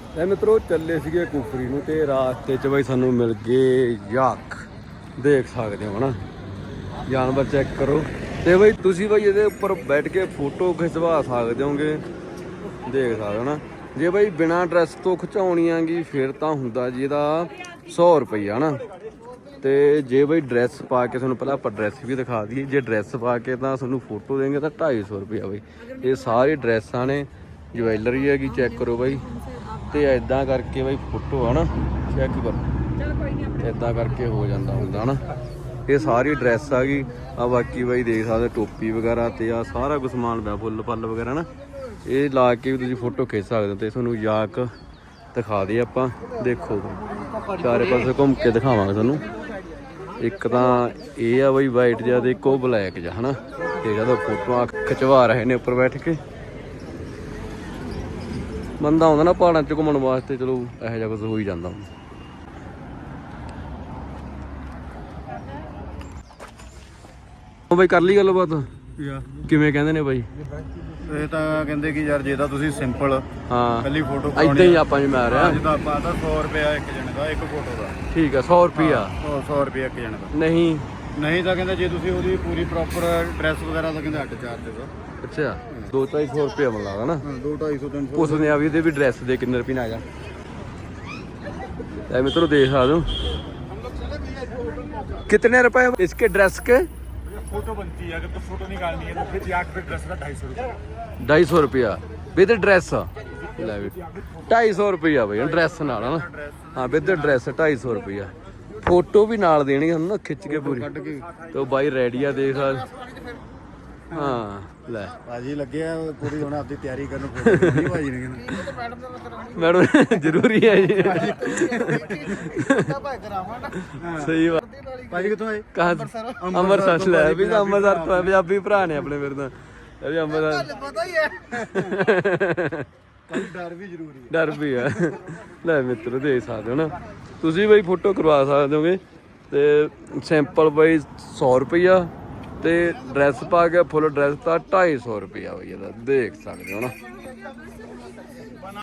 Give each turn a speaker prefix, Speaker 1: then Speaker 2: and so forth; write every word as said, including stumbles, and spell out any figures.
Speaker 1: ਇਹ ਮਿੱਤਰੋ ਚੱਲੇ ਸੀਗੇ ਕੁਫਰੀ ਨੂੰ ਤੇ ਰਾਸਤੇ 'ਚ ਬਾਈ ਸਾਨੂੰ ਮਿਲ ਗਏ ਯਾਕ, ਦੇਖ ਸਕਦੇ ਹੋ ਹਨਾ ਜਾਨਵਰ ਚੈੱਕ ਕਰੋ। ਤੇ ਬਾਈ ਤੁਸੀਂ ਬਾਈ ਇਹਦੇ ਉੱਪਰ ਬੈਠ ਕੇ ਫੋਟੋ ਖਿਚਵਾ ਸਕਦੇ ਹੋਗੇ, ਦੇਖ ਸਕਦੇ ਹੋ ਨਾ। ਜੇ ਬਾਈ ਬਿਨਾਂ ਡਰੈਸ ਤੋਂ ਖਿਚਾਉਣੀ ਆਂਗੀ ਫਿਰ ਤਾਂ ਹੁੰਦਾ ਜੀ ਇਹਦਾ ਸੌ ਰੁਪਈਆ ਹਨਾ। ਤੇ ਜੇ ਬਾਈ ਡਰੈਸ ਪਾ ਕੇ ਤੁਹਾਨੂੰ ਪਹਿਲਾਂ ਆਪਾਂ ਡਰੈਸ ਵੀ ਦਿਖਾ ਦਈਏ, ਜੇ ਡਰੈਸ ਪਾ ਕੇ ਤਾਂ ਤੁਹਾਨੂੰ ਫੋਟੋ ਦੇਂਗੇ ਤਾਂ ਢਾਈ ਸੌ ਰੁਪਈਆ ਬਾਈ। ਇਹ ਸਾਰੀ ਡਰੈਸਾਂ ਨੇ, ਜਵੈਲਰੀ ਹੈਗੀ ਚੈੱਕ ਕਰੋ ਬਾਈ। ਤੇ ਐਦਾਂ ਕਰਕੇ ਬਾਈ ਫੋਟੋ ਹੈ ਨਾ ਚੈੱਕ ਕਰੋ, ਐਦਾਂ ਕਰਕੇ ਹੋ ਜਾਂਦਾ ਹੁੰਦਾ ਨਾ। ਇਹ ਸਾਰੀ ਡਰੈਸ ਆ ਗਈ ਆ, ਬਾਕੀ ਬਾਈ ਦੇਖ ਸਕਦੇ ਟੋਪੀ ਵਗੈਰਾ ਤੇ ਆ ਸਾਰਾ ਕੁਝ ਸਮਾਨ ਪਿਆ, ਫੁੱਲ ਫੱਲ ਵਗੈਰਾ ਨਾ। ਇਹ ਲਾ ਕੇ ਵੀ ਤੁਸੀਂ ਫੋਟੋ ਖਿੱਚ ਸਕਦੇ ਹੋ। ਤੇ ਤੁਹਾਨੂੰ ਯਾਕ ਦਿਖਾ ਦੇ ਆਪਾਂ, ਦੇਖੋ ਚਾਰੇ ਪਾਸੇ ਘੁੰਮ ਕੇ ਦਿਖਾਵਾਂਗੇ ਤੁਹਾਨੂੰ। ਇੱਕ ਤਾਂ ਇਹ ਆ ਬਾਈ ਵਾਈਟ ਜਿਹਾ ਤੇ ਇੱਕ ਉਹ ਬਲੈਕ ਜਿਹਾ ਹਨਾ। ਤੇ ਜਦੋਂ ਫੋਟੋਆਂ ਖਿਚਵਾ ਰਹੇ ਨੇ ਉੱਪਰ ਬੈਠ ਕੇ, ਬੰਦਾ ਆਉਂਦਾ ਨਾ ਪਹਾੜਾਂ 'ਚ ਘੁੰਮਣ ਵਾਸਤੇ, ਚਲੋ ਇਹੋ ਜਿਹਾ ਕੁਝ ਹੋ ਹੀ ਜਾਂਦਾ। ਬਾਈ ਕਰ ਲਈ ਗੱਲਬਾਤ, ਕਿਵੇਂ ਕਹਿੰਦੇ ਨੇ ਬਾਈ?
Speaker 2: ਇਹ ਤਾਂ ਕਹਿੰਦੇ ਕਿ ਯਾਰ ਜੇ ਤਾਂ ਤੁਸੀਂ ਸਿੰਪਲ
Speaker 1: ਹਾਂ
Speaker 2: ਪਹਿਲੀ ਫੋਟੋ
Speaker 1: ਏਦਾਂ ਹੀ ਆਪਾਂ ਵੀ ਮੈਂ ਰਿਹਾ
Speaker 2: ਜਿੱਦਾਂ ਆਪਾਂ ਤਾਂ ਸੌ ਰੁਪਇਆ ਇੱਕ ਜਣੇ ਦਾ, ਇੱਕ ਫੋਟੋ ਦਾ।
Speaker 1: ਠੀਕ ਆ, ਸੌ ਰੁਪਈਆ
Speaker 2: ਸੌ ਰੁਪਇਆ ਇੱਕ ਜਣੇ ਦਾ।
Speaker 1: ਨਹੀਂ
Speaker 2: ਨਹੀਂ ਤਾਂ ਕਹਿੰਦੇ ਜੇ ਤੁਸੀਂ ਉਹਦੀ ਪੂਰੀ ਪ੍ਰੋਪਰ ਡਰੈਸ ਵਗੈਰਾ ਤਾਂ ਕਹਿੰਦੇ ਅੱਡ ਚਾਰਜ ਦਾ।
Speaker 1: ਅੱਛਾ, ਦੋ ਢਾਈ ਸੌ ਰੁਪਇਆ ਮਿਲ ਲੱਗਦਾ ਨਾ।
Speaker 2: ਹਾਂ ਦੋ ਢਾਈ ਸੌ ਤਿੰਨ ਸੌ
Speaker 1: ਪੁੱਛਦੇ ਆ ਵੀ ਇਹਦੇ ਵੀ ਡਰੈਸ ਦੇ ਕਿੰਨੇ ਰੁਪਏ ਆ ਜਾ। ए मित्रों देख आ जाओ कितने रुपए इसके ड्रेस के?
Speaker 3: फोटो बनती है, अगर तो फोटो निकालनी है तो फिर याक पे ड्रेस का ढाई सौ रुपया।
Speaker 1: ढाई सौ रुपया विद ड्रेस, ढाई सौ रुपया भाई ड्रेस नाल ना। हाँ विद ड्रेस ढाई सौ रुपया। फोटो भी नाल देनी है ना खिंच के पूरी। तो भाई रेडी आ देख। हाँ ले
Speaker 2: भाजी लगे हैं पूरी होना अपनी तैयारी करने। फोटो नहीं भाजी ने कहना
Speaker 1: मैडम जरूरी है जी। सही बात।
Speaker 2: भाजी कितों आए?
Speaker 1: कहाँ ਅੰਮ੍ਰਿਤਸਰ ਲੈ ਵੀ ਅੰਮ੍ਰਿਤਸਰ ਤੋਂ ਪੰਜਾਬੀ ਭਰਾ ਨੇ ਆਪਣੇ ਫਿਰ ਤਾਂ। ਇਹ ਵੀ ਅੰਮ੍ਰਿਤਸਰ
Speaker 2: पता ही है। डर भी जरूरी है।
Speaker 1: ਡਰ ਵੀ ਆ। ਲੈ ਮਿੱਤਰੋ ਦੇਖ ਸਕਦੇ ਹੋ ਨਾ ਤੁਸੀਂ ਬਾਈ ਫੋਟੋ ਕਰਵਾ ਸਕਦੇ ਹੋਗੇ। ਤੇ ਸਿੰਪਲ ਬਾਈ ਸੌ ਰੁਪਈਆ ਤੇ ਡਰੈਸ ਪਾ ਕੇ ਫੁੱਲ ਡਰੈਸ ਤਾਂ ਢਾਈ ਸੌ ਰੁਪਈਆ ਬਾਈ ਇਹਦਾ, ਦੇਖ ਸਕਦੇ ਹੋ ਨਾ।